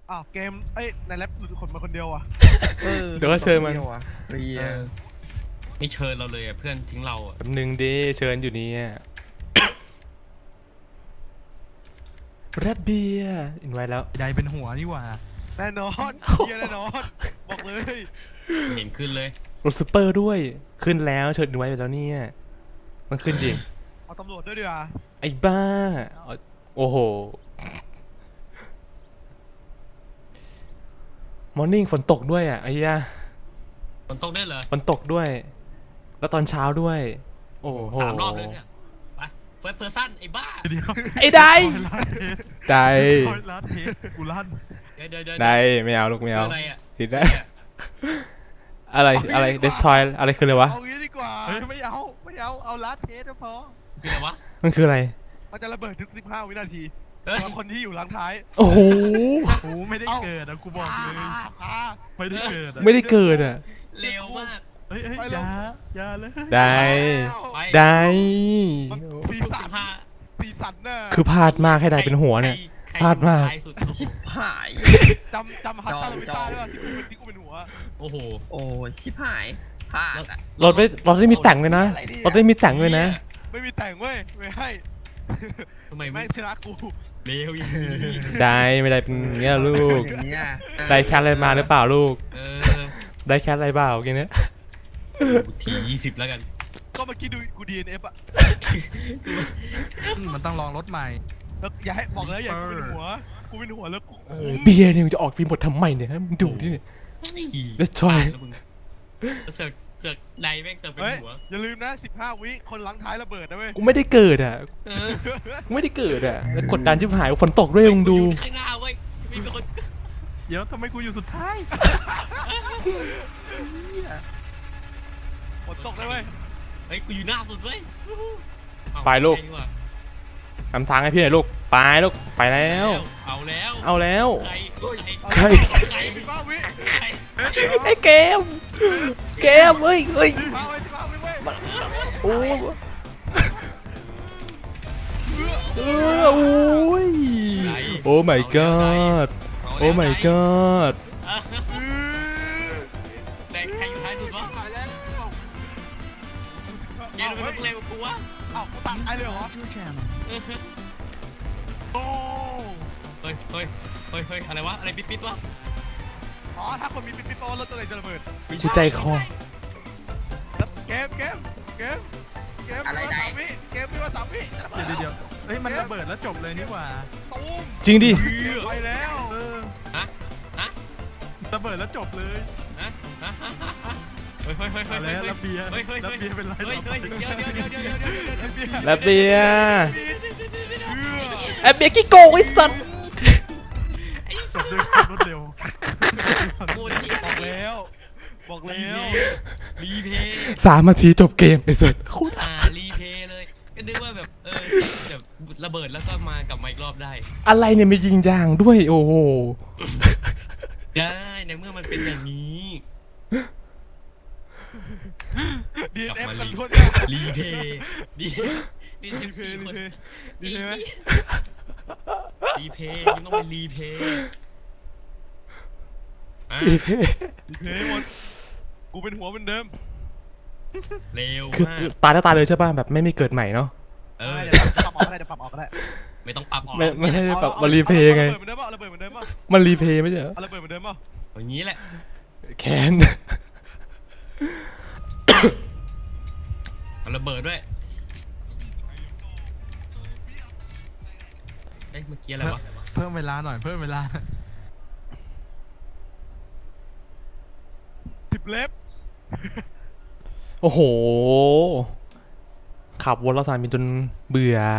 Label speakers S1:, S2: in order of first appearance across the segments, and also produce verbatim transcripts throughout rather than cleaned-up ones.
S1: อ้าวเกมเอ้ยในแรปหลุดคนมาคนเดียวอ่ะ
S2: เดี๋ยวก็เชิญมัน
S3: เรีย
S4: ไม่เชิญเราเลยอ่ะเพื่อนทิ้งเราอ่ะ
S2: แป๊บนึงดิเชิญอยู่นี่แรดเบียร์อินไว้แล้ว
S3: ใดเป็นหัวนี่หว่า
S1: แน่นอนเฮียแน่นอนบอกเลย
S4: ไม่เห็นขึ้นเลย
S2: รถซูเปอร์ด้วยขึ้นแล้วเชิญอินไว้ไปแล้วเนี่ยมันขึ้นจริง
S1: เอาตำรวจด้วยดีกว่า
S2: ไอ้บ้าเอาโอ้โหมอร์นิ่งฝนตกด้วยอ่ะไอ้ยา
S4: ฝนตกได้เหรอ
S2: ฝนตกด้วย แล้วตอนเช้าด้วย โอ้โห
S4: สามรอบเลยเนี่ยไปเฟิร์สเพอร์ซันไอ้บ้า
S3: เดี๋ยว
S2: ไอ้ได้
S3: ลาดเพชร
S2: ได้
S3: ทอยลาดเพชรกูลั่น
S4: เดี๋ยวเดี๋ยวเดี๋ยว
S2: ได้ไม่เอาลูกไม่เอา
S4: อะไรอ่ะ
S2: ผิดได้อะไรอะไรเดสทอยอะไรคืออะไรวะ
S1: เอางี้ดีกว่า
S3: เฮ้ยไม่เอาไม่เอาเอาลาดเพชรก็พอ
S4: คืออะไรวะ
S2: มันคืออะไร
S1: มันจะระเบิดทุกสิบห้าวินาที
S4: เฮ้ย
S1: สำหรับคนที่อยู่หลังท้าย
S2: โอ้โห
S3: โอ้ไม่ได้เกิดอะกูบอกเลย
S1: อ่าอ่า
S3: ไม่ได้เกิดอะ
S2: ไม่ได้เกิดอ่ะ
S4: เร็วมาก
S3: เฮ้ยเฮ้ยอย่าอย่าเลย
S2: ได้
S4: ไป
S2: ได้
S1: มันสี
S4: ทุก
S1: สั
S4: สิ
S1: น
S4: บห้า
S1: สีสันน่ะ
S2: คือพลาดมากให้ได้เป็นหัวเนี่ย
S4: ใคร
S2: พลาดมาก
S4: ใครสุด
S5: ชิบหาย
S1: จำจำฮัตตาลาวิต้าได้ป่ะที่กูเป็นที่กูเป็นหัว
S4: โอ้โห
S5: โอ้ยชิบหายพลาดอะ
S2: รถไม่รถได้มีแต่งเลยนะรถได้มีแต่งเลยนะ
S1: ไม่มีแต่งเว้ยไม่ให้
S4: ทำไมไม่
S1: แม่งชนะกู
S4: เร็วอย่างนี้
S2: ได้ไม่ได้เป็นอย่างเงี้ยลูก
S5: อย่างเงี้ย
S2: ได้แคทอะไรมาหรือเปล่าลูก
S4: เออ
S2: ได้แคทอะไรเปล่าแกเนี้ย
S4: ทียี่สิบแล้วกัน
S1: ก็เมื่อกี้ดูกู ดี เอ็น เอฟ อ่ะ
S3: มันต้องลองรถใหม่
S1: แล้วอย่าให้บอกแล้วอย่าให้กูเป็นหัวกูเป็นหัวแล้วกูคุ้ม
S2: เบียร์เนี่ยมันจะออกฟิล์มหมดทำไมเนี่ยฮะมึงดูดิเนี่ย Let's try
S4: แล้วมึงเสือกเสือกใดแม่งเสือกเป็น
S1: เฮ้ย
S4: หัว
S1: อย่าลืมนะสิบห้าวิคนหลังท้ายระเบิดนะเว้ย
S2: กูไม่ได้เกิดอ่ะ
S4: เออ
S2: กูไม่ได้เกิดอ่ะแล้วกดดันชิบหายฝนตกด้วยมึงดู
S4: ข้างหน้าเว้ยมีเป็นคน
S3: เดี๋ยวทำไมกูอยู่สุดท้าย
S1: ฝนตกเลยเว้ย
S4: เฮ้ยกูอยู่หน้าสุดเว้ยเอา
S2: ไปลูก
S4: ใช่ดีว่า
S2: นำทางให้พี่หน่อยลูกไปลูกไปแล้ว
S4: เอาแล้ว
S2: เอาแล้ว
S4: ใคร
S2: ใคร
S4: ใคร
S1: สิบห้าวิ
S4: ใคร
S2: ไอ้เกมเกมเฮ้ยเฮ้ย
S1: สิบห้าวิสิบห้าวิเว้ย
S2: โอ้เออโอ้ยโอ้ my god โอ้ my god
S4: แต่ใครอยู่ท้ายสุดวะ
S1: ตายแล้ว
S4: เกมมันต้องเร็วกว่ากูวะ
S1: เอ้ากูตัดไอ้เลยเหรอโอ้
S4: เฮ้ยเฮ้ยเฮ้ยเฮ้ยอะไรวะอะไรปิดปิดวะ
S1: อ๋อถ้าคนมีปิดปิดโตแล้วตัวไหนจะระเบิด
S2: ชิดใจคอ
S1: แล้วเกมเกมเกมเกมมีว่าสามวิเกมมีว่าสามวิจะระเบิด
S3: เดี๋ยวเดี๋ยวเฮ้ยมันระเบิดแล้วจบเลยนี่หว่า
S1: ตูม
S2: จริงดิ
S1: ไปแล้ว
S3: เออ
S4: ฮะฮะ
S3: ระเบิดแล้วจบเลย
S4: ฮะฮะเฮ้ยเฮ้ยเฮ้ยเฮ้
S3: อะ
S4: ย
S3: ไร
S4: เฮ้ย
S3: ระเบียร์
S4: เฮ้ยเฮ้ย
S3: ระเบียร์เป็นไร
S4: เฮ้ยเฮ้ยเดี๋ยวเดี๋ยวเดี๋ยวเดี๋ยวเดี๋ยวเดี๋ยวเดี๋ยว
S2: แล้วเบียร์
S1: เออ
S2: แอบเบียร์กี้โกงไอ้สัตว์
S3: จบด้วยความรวดเร็ว
S4: โคตรที่
S1: บอกแล้วบอก
S4: รี
S1: แล้ว
S4: รีเพย์
S2: สามนาทีจบเกมไอ้สัตว์โคตร
S4: อ่ารีเพย์เลยก็นึกว่าแบบเออแบบระเบิดแล้วก็มากลับมาอีกรอบได้
S2: อะไรเนี่ยมียิงยางด้วยโอ้โห
S4: ได้ในเมื่อมันเป็นอย่างนี้
S1: ดี
S4: กลับ
S1: เอฟ
S4: มา
S1: กัน
S4: รี
S1: ทั่วหน้า
S4: รีเพย์ดีดี
S1: รี
S4: เท
S1: เพ
S4: สี่
S1: ย์
S4: คน
S1: รีเพย์รีเพย์ไหม
S4: รีเพย์มันต้องเป็นรีเพย์อ่ะ
S2: อีเพ่
S1: รีเพย์หมดกูเป็นหัวเหมือนเดิม
S4: เร็ว
S2: คือ
S4: มาก
S2: ตายแล้วตายเลยใช่ป่ะแบบไม่มีเกิดใหม่เนาะ
S4: เออ
S1: เดี๋ยวปรับออกก็ได้เดี๋ยวปรับออกก็ได้
S4: ไม่ต้องปรับออก
S2: ไม่ไม่ให้
S1: เอา
S2: แบบ
S1: เอา
S2: มารีเพย์ไง
S1: เอาระเบิดเหมือนเดิมป่ะเอาระเบิดเหมือนเดิมป่ะ
S2: มันรีเพย์ไม่ใช่เหรอ
S1: เอาระเบิดเหมือนเดิมป่ะ
S4: อย่างนี้แหละ
S2: แคน
S4: เอาระเบิดด้วยเอ๊ะเมื่อกี้อะไรวะ
S3: เพิ่มเวลาหน่อยเพิ่มเวลา
S1: สิบเล็บ
S2: โอ้โหขับวนรอบสนามบินจนเบื่อ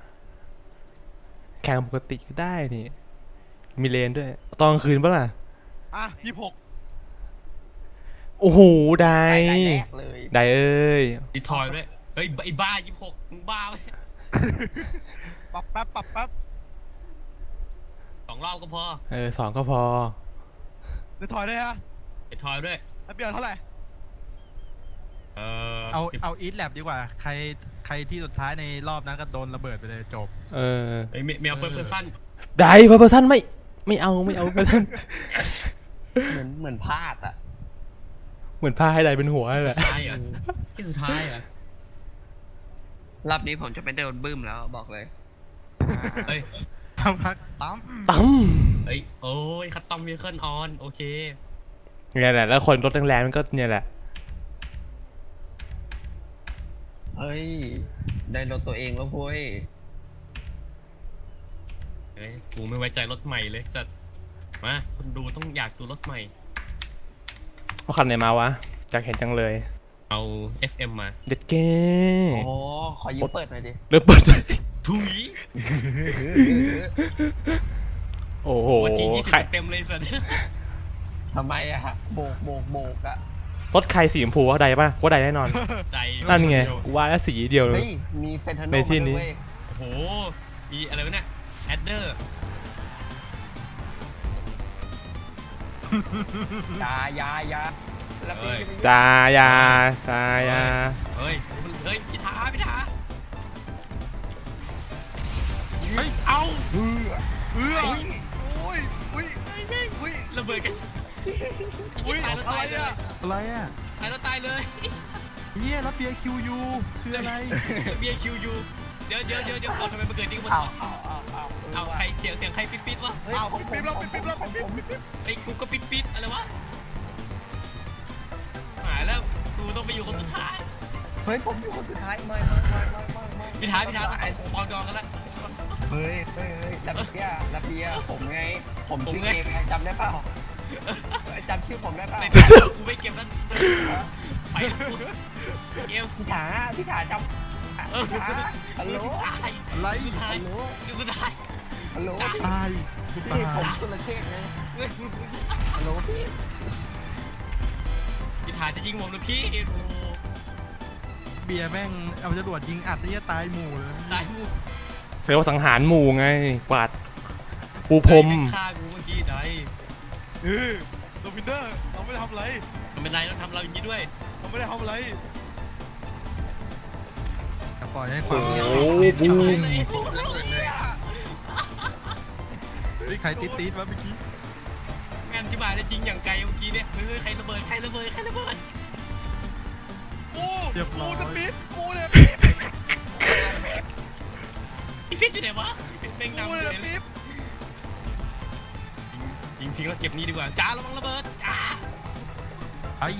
S2: แข่งปกติก็ได้นี่มีเลนด้วยตอนกลางคืนปะล่ะ
S1: อ่ะยี่สิบหก
S2: โอ้โหได้
S5: ได้แรกเลย
S2: ได้เอ้ย
S4: ดีทอยด้วยเฮ้ยไอ้บ้ายี่สิบหกมึงบ้าไหม
S1: ปรับแป๊บปรับแป๊บ
S4: สองรอบก็พอ
S2: เออสองก็พอ
S1: เดี๋ยวถอยได้ฮะ
S4: ไอ้ทอยด้วย
S1: แล้วเบียร์เท่าไหร่
S4: เออ
S3: เอาเอาอีทแลบดีกว่าใครใครที่สุดท้ายในรอบนั้นก็โดนระเบิดไปเลยจบ
S2: เออ
S4: ไอ้เมลเฟิร์สเพอร์ซัน
S2: ได้เพอร์เพอร์ซันไม่ไม่เอาไม่เอาไม่เล่น
S5: เหมือนเหมือนพลาดอ่ะ
S2: เหมือนผ้าให้ใดเป็นหัวนั่นแหละ
S4: สุดท้ายเหรอที่สุดท้ายเหรอ
S5: รอบนี้ผมจะไม่โดนบึ้มแล้วบอกเลย
S4: เฮ้ย
S3: สักพักตั้ม
S2: ตั้ม
S4: เฮ้ยโอ้ยคัตตอมวีเคิลออนโอเค
S2: เนี่ยแหละแล้วคนรถแรงๆมันก็เนี่ยแหละ
S5: เฮ้ย ได้รถตัวเองแล้วเว้ย
S4: เฮ้ยกูไม่ไว้ใจรถใหม่เลยสัตว์มาคนดูต้องอยากดูรถใหม่
S2: เอาคันไหนมาวะอยากเห็นจังเลย
S4: เอา เอฟ เอ็ม มา
S2: เด็ดเก้
S5: โอ้โหขอยืมเปิดหน่อยดิ
S2: เริ่มเปิด
S4: ถุย
S2: โอ้โห
S4: หัวจียี่สิ
S2: ใคร
S4: บเต็มเลยสัตว์
S5: ทำไมอะฮะโบกโบกโบกอะ
S2: รถใครสีชมพูว่าใดป่ะว่าใดแน่นอน
S4: ใจ
S2: นั่นไงกูว่าแล้วสีเดียวเลย
S5: เฮ้ย มีเซนทรัล
S2: ในที่นี้
S5: เว้ย
S4: โอ้โหมีอะไรวะเนี่ยแอดเดอร์
S5: ยายายาแล้วพี่จะไป
S2: จายาจายา
S4: เฮ้ยเฮ้ยพิธาพิธา
S3: เฮ้ย
S4: เอา
S1: เอื้อโอ้ยอุ้ยอุ้ย
S4: ระเบิดกัน
S1: อุ้ย
S4: ตายแล้ว
S1: อะไร
S4: ตายเลย
S1: อ่ะ
S3: อะไรอ่ะ
S4: ตายแล้วตายเลย
S3: เฮียรับเบียร์คิวยูคืออะไร
S4: เบียร์คิวยูเดี๋ยวเดี๋ยวเดี๋ยวเดี๋ยวเอาทำไมมาเกิดนี่กัน
S5: เอาเอาเอาเอา
S4: เอาใครเสียงเสียงใครปิ๊ดปิ๊ดวะ
S1: อ้าวปิ๊บปิ๊บแล้วปิ๊บปิ๊บแล้วปิ๊บปิ๊บปิ๊บ
S4: ไอ้กูก็ปิ๊ดปิ๊ดอะไรวะหายแล้วกูต้องไปอยู่คนสุดท้าย
S5: เฮ้ย ผมอยู่คนสุดท้ายไม่ไม่ไม่ไม่ไม่ไม่
S4: พิธาพิธาต้องปองดองกันแล้ว
S5: เฮ้ยเฮ้ยเฮ้ยรับเบียร์รับเบียร์ผมไง ผม
S4: ผม
S5: ชื่อ
S4: ไง
S5: เกมไงจำได้เปล่าจำชื่อผมได้เปล่า
S4: ไม่กูไม่เก็บแล้วไปเกม
S5: พี่ถาพี่ถาจำ
S4: เออ
S5: พี่ถาฮัลโหล
S4: ตาย
S3: อะไร
S4: สุดท้าย
S5: ฮัลโหล
S4: สุดท้าย
S5: ฮัลโหล
S3: ตายกู
S5: พี่
S3: ตา
S5: ผม
S3: ย
S5: สุรเชษฐ์ไงฮัลโหลพี่
S4: พิธาจะยิงผมหรือพี่โอ้
S3: เบียร์แม่งเอาจรวดยิงอัดเนี่ยตายหมู่เลย
S4: ตายมู
S2: เรียกว่าสังหารหมู่ไงกวาดปูพรม
S4: ฆ่ากูเมื่อกี้ได้
S1: เออโดมินเดอร์เราไม่ได้ทำอะไร
S4: ทำไมนายต้องทำเราอย่างนี้ด้วย
S1: เราไม่ได้ทำอะไร
S3: แต่ปล่อยให้ความเงียบ
S2: โอ้บูม
S3: เฮ้ยใครติดติดวะเมื่อกี้
S4: งานที่บายได้จริงอย่างไกลเมื่อกี้เนี่ยเฮ้ยใครระเบิดใครระเบิดใครระเบิด
S1: กูกูจะปิ๊บกูเนี่ย
S4: พี่ฟิตอยู่ไหนวะพี่ฟิตเป่ง
S1: กู
S4: ดำ
S1: เนี่ย
S4: เลย
S1: ปิ๊บ
S4: ยิงทิ้งแล้วเก็บนี่ดีกว่าจ้าระวังระเบิดจ้า
S3: ไอ้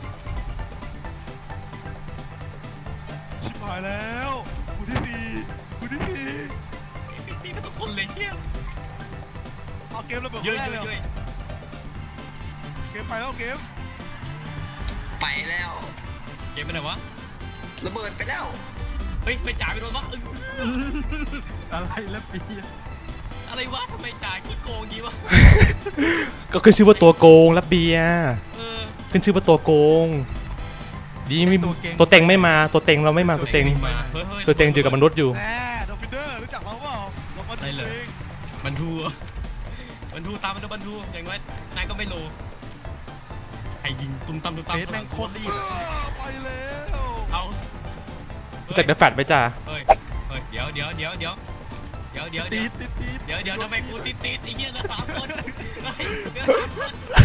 S1: ชิบหายแล้วกูที่สี่กูที่สี่
S4: พี่ฟิตก็ทุกคนเลยเชี่ย
S1: เอาเกมระเบิด
S4: เยอะ
S1: แรก
S4: เย
S1: เลย
S4: อะ
S1: เหร
S4: เย
S1: อ
S4: อะ
S1: เกมไปแล้วเกม
S5: ไปแล้ว
S4: เกมไปไหนวะ
S5: ระเบิดไปแล้ว
S4: เฮ้ยไม่จ่าไปโดนวะ
S3: อะไรแล้วเบียร์
S4: อะไรวะทำไมจ่าขี้โกงงี้วะ
S2: ก็ขึ้นชื่อว่าตัวโกงรับเบียร์
S4: เออ
S2: ขึ้นชื่อว่าตัวโกงดีไม่ตัวเต็งไม่มาตัวเต็งเราไม่มาตัวเต็ง
S4: มาเฮ้ยเฮ้ย
S2: ตัวเต็งอยู่กับมนุษย์อยู่
S1: แน่โดมินเดอร์รู้จักเราเปล่าเรามาดูเอง
S4: บรรทูบรรทูตามมันบรรทูอย่างน้อยนายก็ไม่โลใครยิงตุ้มตั้มตุ้ม
S3: เฟ
S4: ตั้ม
S3: สแม่งโคตรรีบ
S1: เออไปแล้ว
S4: เอา
S2: รู้จักเดอะแฟตไหมจ้า
S4: เฮ้ยเฮ้ยเดี๋ยวเดี๋ยวเดี๋ยวเดี๋ยวเดี๋ยวเดี๋ยว
S3: ติ
S4: เดี๋ยว
S3: ดติดติด
S4: เดี๋ยวเดี๋ยวทำไมกูติดติดไอ้เหี้ยเหลือสามคนเฮ้ยเหลือสามคน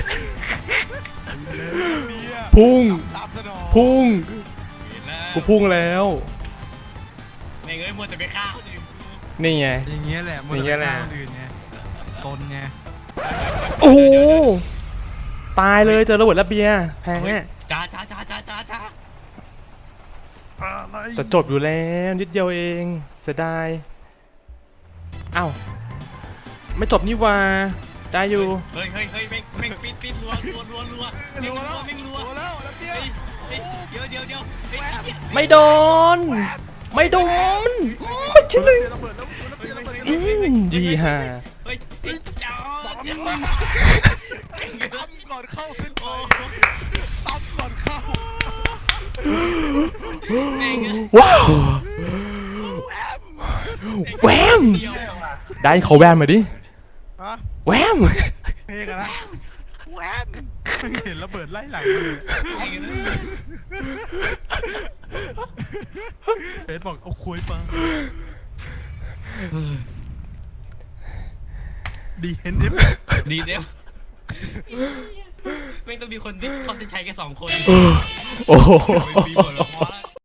S1: เนี่ย
S2: พุ่ง
S1: ตามสนอง
S2: พุ่ง
S4: เห็นแล้ว
S2: กูพุ่งแล้ว
S4: ไม่เงยมัวแต่ไปฆ่าคนอื่นกู
S2: นี่ไง
S3: อย่างเงี้ยแหละมัน
S2: อย่างเงี้ยแหละ
S3: คนอื่นไงตนไง
S2: โอ้โหตายเลยเจอระเบิดรับเบียร์แพ้
S4: เฮ้ยจ้าจ้าจ้าจ้าจ้าจ้า
S3: อะไร
S2: จะจบอยู่แล้วนิดเดียวเองเสียดายอ้าวไม่จบนี่หว่าได้อยู่
S4: เฮ้ยเฮ้ยเฮ้ยแม่งแม่งปิดปิดรัวรัวรัวรัวแม่ง
S1: รัว
S4: รั
S1: แล้ว ว
S4: แม่งรัว
S1: รัวแล้วแล้วเตี้ย
S4: เฮ้ยเฮ้ยเดี๋ยวเดี๋ยวเดี๋ยวเฮ้ยไอ้เหี้ย
S2: ไม่โดน ไม่โดนไม่ใช่เลย
S3: ระเบิดแล้วระเบิดระเบิด
S2: อืมดีฮะ
S4: เฮ้ยไอ้จ้าจ้า
S1: ตั้มก่อนเข้าขึ้นไป
S4: โอ้
S1: ตั้มก่อนเข้า
S4: แม่ง
S2: ว้าวแวม
S4: เดียว
S2: ได้เขาแวมมาดิ
S1: ฮะ
S2: แวม
S1: เพลงอะนะแวบ
S3: เห็นระเบิดไล่หลังมาเลยเฟสบอกเอาคุยไปดีเอ็นเอฟ
S4: ดีเดฟไม่งต้องมีคนที่เขาจะใช้แค่สองคน
S2: โอ้โห
S4: ไม่มีผลหรอกพอแล้ว